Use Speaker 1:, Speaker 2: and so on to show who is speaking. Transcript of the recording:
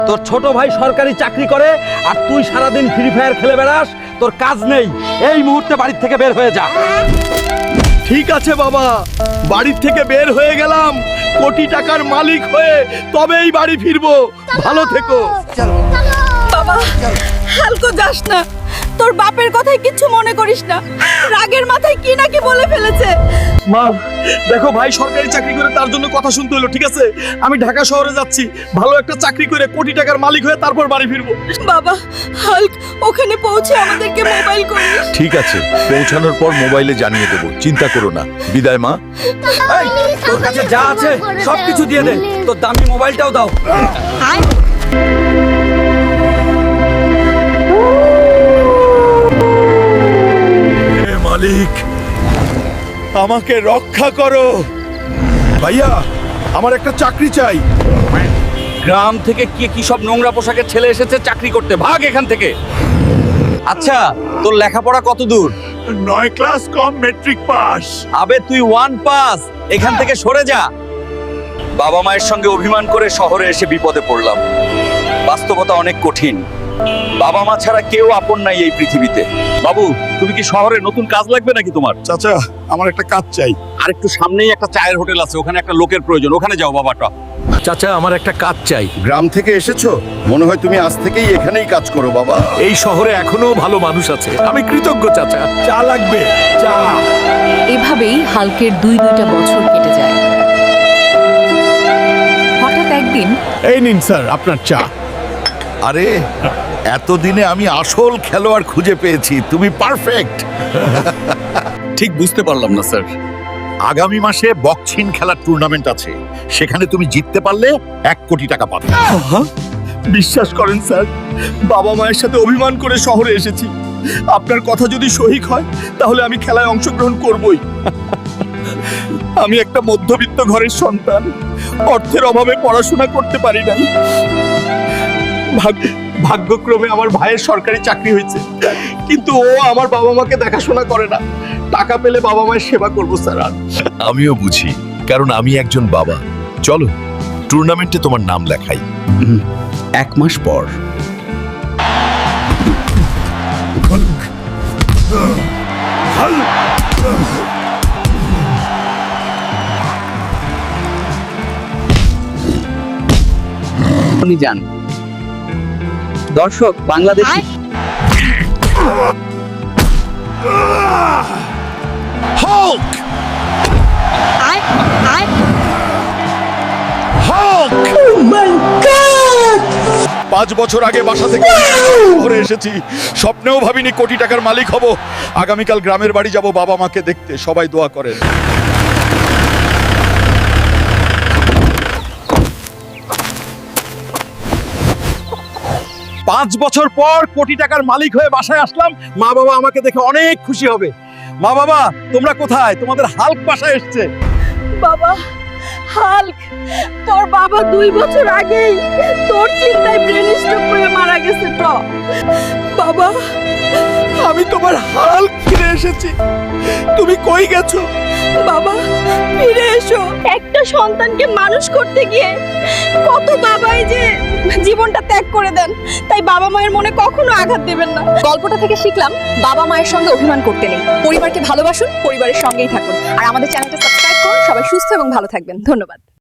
Speaker 1: তোর ছোট ভাই সরকারি চাকরি করে আর তুই সারাদিন ফ্রি ফায়ার খেলে বেড়াস, তোর কাজ নেই। এই মুহূর্তে বাড়ি থেকে বের হয়ে যা।
Speaker 2: ঠিক আছে বাবা, বাড়ির থেকে বের হয়ে গেলাম, কোটি টাকার মালিক হয়ে তবেই বাড়ি ফিরবো। ভালো থেকো।
Speaker 3: বাবা, হালকো যাস না, তোর বাপের কথাই কিছু মনে করিস না। রাগের মাথায় কি নাকি বলে ফেলেছে।
Speaker 2: মা দেখো, ভাই সরকারি চাকরি করে তার জন্য কথা শুনতে হলো, ঠিক আছে? আমি ঢাকা শহরে যাচ্ছি, ভালো একটা চাকরি করে কোটি টাকার মালিক হয়ে তারপর বাড়ি ফিরবো।
Speaker 3: বাবা, হাল্ক ওখানে পৌঁছে আমাদেরকে মোবাইল করিস।
Speaker 4: ঠিক আছে, পৌঁছানোর পর মোবাইলে জানিয়ে দেবো, চিন্তা করো না। বিদায় মা।
Speaker 1: এই, তোর কাছে যা আছে সবকিছু দিয়ে দে, তোর দামি মোবাইলটাও দাও।
Speaker 2: হে মালিক, আমাকে রক্ষা করো। ভাইয়া, আমার একটা চাকরি চাই।
Speaker 1: গ্রাম থেকে কি সব নোংরা পোশাকের ছেলে এসেছে চাকরি করতে, ভাগ এখান থেকে। আচ্ছা, তোর লেখাপড়া কত দূর?
Speaker 2: 9 ক্লাস কম মেট্রিক পাস।
Speaker 1: আবে তুই 1 পাস, এখান থেকে সরে যা। বাবা মায়ের সঙ্গে অভিমান করে শহরে এসে বিপদে পড়লাম। বাস্তবতা অনেক কঠিন, বাবা মা ছাড়া কেউ আপন নাই এই পৃথিবীতে। বাবু, তুমি কি শহরে নতুন কাজ লাগবে নাকি তোমার?
Speaker 2: চাচা, আমার একটা কাজ চাই।
Speaker 1: আর একটু সামনেই একটা চায়ের হোটেল আছে, ওখানে একটা লোকের প্রয়োজন, ওখানে যাও বাবাটা।
Speaker 4: চাচা, আমার একটা কাজ চাই।
Speaker 5: গ্রাম থেকে এসেছো, মনে হয় তুমি আজ থেকেই এখানেই কাজ করো বাবা।
Speaker 4: এই শহরে এখনো ভালো মানুষ আছে, আমি কৃতজ্ঞ চাচা।
Speaker 2: চা লাগবে, চা।
Speaker 6: এভাবেই হাল্কের দুইটা বছর কেটে যায়। হঠাৎ একদিন
Speaker 2: এই নিন স্যার আপনার চা।
Speaker 4: আরে, এতদিনে আমি আসল খেলোয়াড় খুঁজে পেয়েছি, তুমি পারফেক্ট।
Speaker 1: ঠিক বুঝতে পারলাম না স্যার।
Speaker 4: আগামী মাসে বক্সিং খেলার টুর্নামেন্ট আছে, সেখানে তুমি জিততে পারলে 1 কোটি টাকা পাবে।
Speaker 2: বিশ্বাস করেন স্যার, বাবা মায়ের সাথে অভিমান করে শহরে এসেছি। আপনার কথা যদি সঠিক হয় তাহলে আমি খেলায় অংশগ্রহণ করবই। আমি একটা মধ্যবিত্ত ঘরের সন্তান, অর্থের অভাবে পড়াশোনা করতে পারি নাই। ভাগ্যক্রমে আমার ভাইয়ের সরকারি চাকরি হয়েছে, কিন্তু ও আমার বাবা মাকে দেখাশোনা করে না। টাকা পেলে বাবা মায়ের সেবা করবো স্যার।
Speaker 4: আমিও বুঝি, কারণ আমি একজন বাবা। চলো, টুর্নামেন্টে তোমার নাম লেখাই।
Speaker 1: 1 মাস পর।
Speaker 7: উনি যান। দর্শক, বাংলাদেশি
Speaker 2: হক! হক! 5 বছর আগে বাসা থেকে শহরে এসেছি, স্বপ্নেও ভাবিনি কোটি টাকার মালিক হব। আগামীকাল গ্রামের বাড়ি যাব বাবা মাকে দেখতে, সবাই দোয়া করেন।
Speaker 1: পাঁচ বছর পর কোটি টাকার মালিক হয়ে বাসায় আসলাম, মা বাবা আমাকে দেখে অনেক খুশি হবে। মা বাবা, তোমরা কোথায়? তোমাদের হাল্ক বাসায় এসছে।
Speaker 3: বাবা, হাল্ক, তোর বাবা 2 বছর আগেই তোর চিন্তায় ব্রেন স্ট্রোক করে মারা গেছে তো। বাবা,
Speaker 2: আমি তোমার হাল্ক ফিরে এসেছি, তুমি কই গেছো?
Speaker 3: বাবা ফিরে এসো। একটা সন্তানকে মানুষ করতে গিয়ে কত বাবাই যে জীবনটা ত্যাগ করে দেন, তাই বাবা মায়ের মনে কখনো আঘাত দেবেন না।
Speaker 6: গল্পটা থেকে শিখলাম, বাবা মায়ের সঙ্গে অভিমান করতে নেই। পরিবারকে ভালোবাসুন, পরিবারের সঙ্গেই থাকুন। আর আমাদের চ্যানেলটা সাবস্ক্রাইব করুন। সবাই সুস্থ এবং ভালো থাকবেন। ধন্যবাদ।